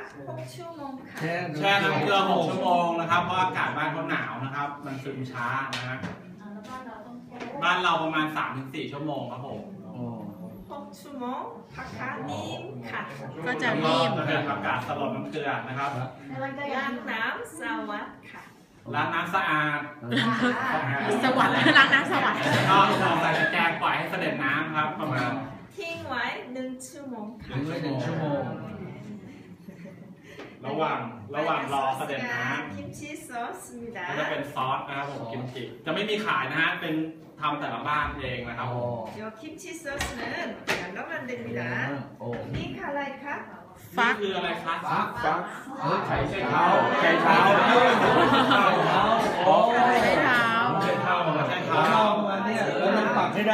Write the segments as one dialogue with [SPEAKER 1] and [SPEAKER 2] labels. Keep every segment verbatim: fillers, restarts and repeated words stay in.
[SPEAKER 1] หกชั่วโมงค่ะ
[SPEAKER 2] แช่น้ำเกลือหกชั่วโมงนะครับเพราะอากาศบ้านเขาหนาวนะครับมันซึมช้านะฮะบ้านเราประมาณ สามถึงสี่ ชั่วโมงครับผม
[SPEAKER 1] หกชั่วโมงผักกาดนิ่มค่ะ
[SPEAKER 3] ก็จะนิ่ม
[SPEAKER 2] เป็นอากาศสลดน้ำเกลือนะครับ
[SPEAKER 1] ล้างน้ำสวัสดิ์ค่ะ
[SPEAKER 2] ล้างน้ำสะอาด
[SPEAKER 3] สวัสดิ์ล้างน้ำสวัสดิ์
[SPEAKER 2] ก็ใส่ตะแกรงปล่อยให้เสด็จน้ำครับประมาณ
[SPEAKER 1] ทิ้งไว้หนึ่งชั่วโมงค่ะ
[SPEAKER 2] ทิ้งไว้หนึ่งชั่วโมงระหว่างระหว่างรอเสด็จน้ำ
[SPEAKER 1] กิมจิซอสมีได้
[SPEAKER 2] ก็จะเป็นซอสนะครับผมกิมจิจะไม่มีขายนะฮะเป็นทำแต่ละบ้านเองนะครับ
[SPEAKER 1] เดี๋ยวกิมจิซอสนั้นแล้วมันเด็ดมีได้นี่คืออะไรคะ
[SPEAKER 2] ฟักคืออะไรคะฟักฟักไข่ไชเท้าไข่
[SPEAKER 3] เท้า
[SPEAKER 2] ไข่เท้า
[SPEAKER 3] ไข่เท้า
[SPEAKER 2] ไข่เท้าไข่เท้ามาเนี่ยแล้วมันปักให้ได้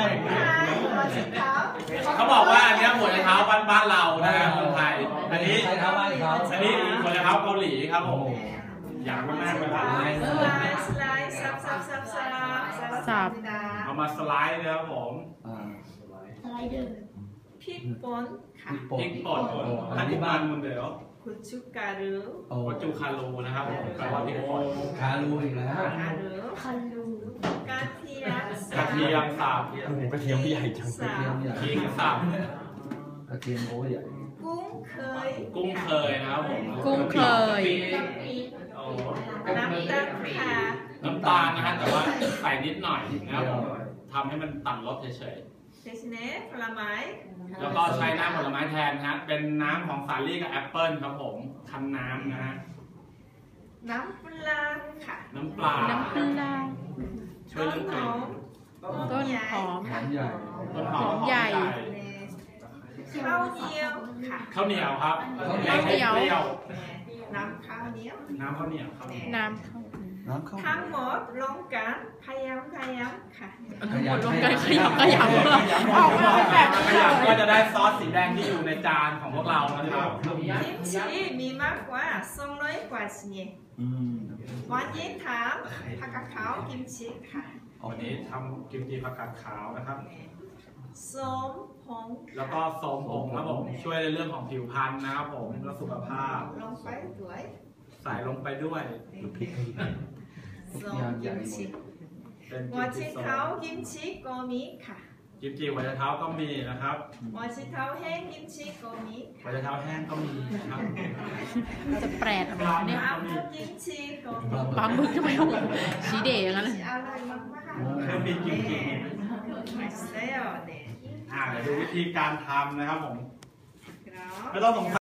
[SPEAKER 2] เขาบอกว่าอันนี้หัวไชเท้าบ้านบ้านเรานะคนไทยอันนี้ไชเท้าบ้านเขาอันนี้หัวไชเท้าเกาหลีครับผมอยากมากๆเลยครับ
[SPEAKER 1] สไลด์สไลด์ซับซับซับซับ
[SPEAKER 3] ซับ
[SPEAKER 2] เอามาสไลด์นะครับผม
[SPEAKER 1] สไลด์เดิมพริกป่นค่ะ
[SPEAKER 2] พริกป่นอันนี้บ้านมึงเดี๋ยว
[SPEAKER 1] กุจูการู
[SPEAKER 2] กุจูคารูนะครับแปลว่าพริกป่น
[SPEAKER 4] คารูอีกแล้ว
[SPEAKER 1] คารูคารูกระเทียม
[SPEAKER 2] กระเทียมสับ
[SPEAKER 4] กระเทียมใหญ่จัง
[SPEAKER 2] กระเทียมใหญ่พริกสับ
[SPEAKER 4] กระเทียมโอ้ใหญ่
[SPEAKER 1] กุ้งเคย
[SPEAKER 2] กุ้งเคยนะครับผม
[SPEAKER 3] กุ้งเคย
[SPEAKER 1] น้ำตาลค่ะ
[SPEAKER 2] น้ำตาลนะฮะแต่ว่าใส่นิดหน่อยนะครับทำให้มันตัดรสเฉย
[SPEAKER 1] เทสเน่ผลไม้
[SPEAKER 2] แล้วก็ใช้น้ำผลไม้แทนนะฮะเป็นน้ำของสาลี่กับแอปเปิลครับผมคั้นน้ำนะฮะ
[SPEAKER 1] น้ำปลาค่ะ
[SPEAKER 2] น้ำปลา
[SPEAKER 3] น้ำปลา
[SPEAKER 2] ช่วยเรื่องกลิ่น
[SPEAKER 3] ต้นหอม
[SPEAKER 4] หอมใหญ่
[SPEAKER 2] ต้นหอมใหญ่
[SPEAKER 1] ข้าวเหนียวค่ะ
[SPEAKER 2] ข้าวเหนียวครับ
[SPEAKER 3] ข้าวเหนียว
[SPEAKER 1] น้ำข้าวเหนียว
[SPEAKER 2] น้ำข้าวเหนียวครับ
[SPEAKER 3] น้ำข้าว
[SPEAKER 4] น้ำข้าว
[SPEAKER 1] ทั้งหมดลงกันพยายามพยายามค่ะ
[SPEAKER 3] ทั้งหมดลงกันขยำขยำ
[SPEAKER 2] ออกมาแบบขยำก็จะได้ซอสสีแดงที่อยู่ในจานของพวกเรานะครับ
[SPEAKER 1] กิมจิมีมากกว่าสองร้อยกว่าชนิดวันนี้ทำผักกาดขาวกิมจิค่ะ
[SPEAKER 2] วันนี้ทำกิมจิผักกาดขาวนะครับ
[SPEAKER 1] ส้มผง
[SPEAKER 2] แล้วก็ส้มผงครับผมช่วยในเรื่องของผิวพรรณนะครับผมและสุขภาพ
[SPEAKER 1] ลงไปด้วย
[SPEAKER 2] ใส่ลงไปด้วย
[SPEAKER 1] ส้มกิมจิหัวไชเท้ากิมจิก็มีค่ะ
[SPEAKER 2] กิมจิหัวไชเท้าก็มีนะครับ
[SPEAKER 1] หัวไชเท้าแห้งกิมจิก็มี
[SPEAKER 2] หัวไชเท้าแห้งก็มีนะครับ
[SPEAKER 3] จะแปลกอะไรเนี่ย
[SPEAKER 1] ปลาหมึกกิมจิก็มี
[SPEAKER 3] ปลาหมึกทำไมต้องสีเดย์อย่างนั้นเลย
[SPEAKER 1] อร่อยมาก
[SPEAKER 2] ๆเครื่องบินกิมจิ
[SPEAKER 1] ไม่ใช่อ่ะเนี่ย
[SPEAKER 2] อ่าเดี๋ยวดูวิธีการทำนะครับผมไม่ต้องสงสัย